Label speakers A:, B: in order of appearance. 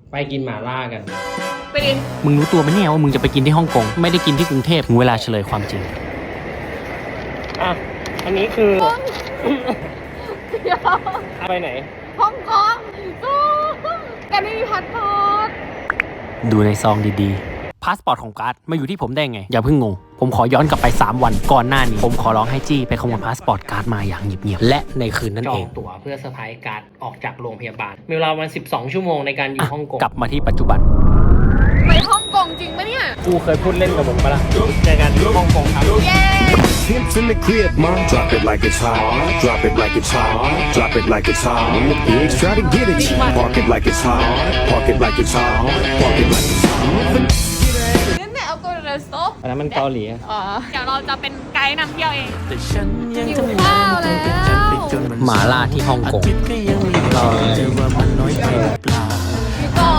A: ไปกินหม่าล่ากัน
B: ไปดิน
C: มึงรู้ตัวไหมเนี่ยว่ามึงจะไปกินที่ฮ่องกงไม่ได้กินที่กรุงเทพถึงเวลาเฉลยความจริง
A: อ่ะอันนี้คือไปไหน
B: ฮ่องกงแต่ไม่มีพาสปอร์ต
C: ดูในซองดีๆพาสปอร์ตของการ์ดมาอยู่ที่ผมได้ไงอย่าเพิ่งงงผมขอย้อนกลับไป3วันก่อนหน้านี้ผมขอร้องให้จี้ไปขโมยพาสปอร์ตการ์ดมาอย่างเงียบๆและในคืนนั้นเอง
A: จองตั๋วเพื่อเซอร์ไพรส์การ์ดออกจากโรงพยาบาลมีเวลาวัน12 ชั่วโมงในการอยู่ฮ่องกง
C: กลับมาที่ปัจจุบัน
B: ไปฮ่องกงจริงปะเนี่ย
A: กูเคยพูดเล่นกับผมปะล่ะเจอกันที่ฮ่องกงครับ
B: เย้
D: Pimps in the crib, mom. Drop it like it's hot. Drop it like it's hot. Drop it like it's hot. When the pigs try to get at you, park it like it's hot. Park it like it's hot. Park it like it's hot.
B: นั่นแหละเอาตัวเรสโต้
A: อันนั้นมันเกาหลี
B: อ๋อเดี๋ยวเราจะเป็นไกด์นำเที่ยวเอง
C: หิ
B: วข้าวแล้ว
C: หมาล่าที่ฮ่องกง